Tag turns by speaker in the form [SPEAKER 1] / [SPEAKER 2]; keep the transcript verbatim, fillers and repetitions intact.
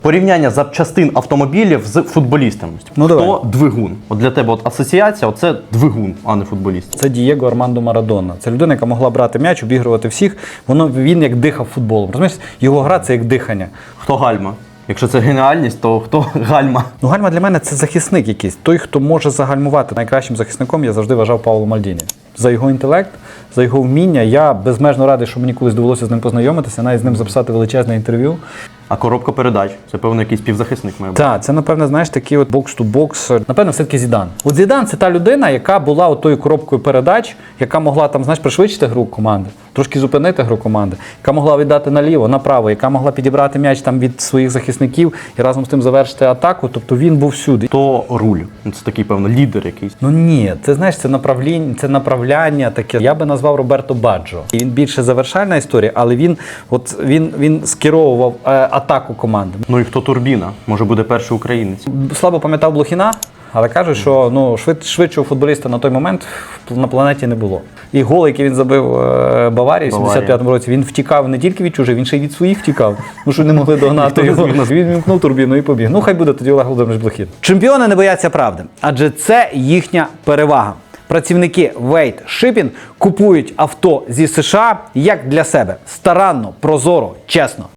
[SPEAKER 1] Порівняння запчастин автомобілів з футболістами.
[SPEAKER 2] Ну,
[SPEAKER 1] Хто
[SPEAKER 2] давай.
[SPEAKER 1] двигун? От для тебе от асоціація, оце двигун, а не футболіст.
[SPEAKER 2] Це Дієго Армандо Марадона. Це людина, яка могла брати м'яч, обігрувати всіх. Воно, він як дихав футболом. Розумієш, його гра – це як дихання.
[SPEAKER 1] Хто гальма? Якщо це геніальність, то хто гальма?
[SPEAKER 2] Ну, гальма для мене – це захисник якийсь. Той, хто може загальмувати. Найкращим захисником я завжди вважав Пауло Мальдіні. За його інтелект, за його вміння. Я безмежно радий, що мені колись довелося з ним познайомитися, навіть з ним записати величезне інтерв'ю.
[SPEAKER 1] А коробка передач – це, певно, якийсь півзахисник має бути.
[SPEAKER 2] Так, це, напевно, знаєш, такий от бокс-ту-бокс. Напевно, все-таки Зідан. От Зідан – це та людина, яка була отою коробкою передач, яка могла там, знаєш, пришвидшити гру команди, трошки зупинити гру команди, яка могла віддати наліво, направо, яка могла підібрати м'яч там від своїх захисників і разом з тим завершити атаку. Тобто він був всюди.
[SPEAKER 1] То руль. Ну, це такий, певно, лідер якийсь.
[SPEAKER 2] Ну ні, це, знаєш, це направління, це направляння таке. Я би назвав Роберто Баджо. І він більше завершальна історія, але він, от, він, він скеровував е, атаку команди.
[SPEAKER 1] Ну і хто турбіна? Може буде перший українець.
[SPEAKER 2] Слабо пам'ятав Блохіна, але кажуть, що ну, швид, швидшого футболіста на той момент на планеті не було. І гол, який він забив е, Баварії в сімдесят п'ятому році, він втікав не тільки від чужих, він ще й від своїх втікав. Ну що не могли догнати його. Він вімкнув турбіну і побіг. Ну хай буде тоді Олег Володимирович Блохін. Чемпіони не бояться правди, адже це їхня перевага. Працівники Wade Shipping купують авто зі США як для себе. Старанно, прозоро, чесно.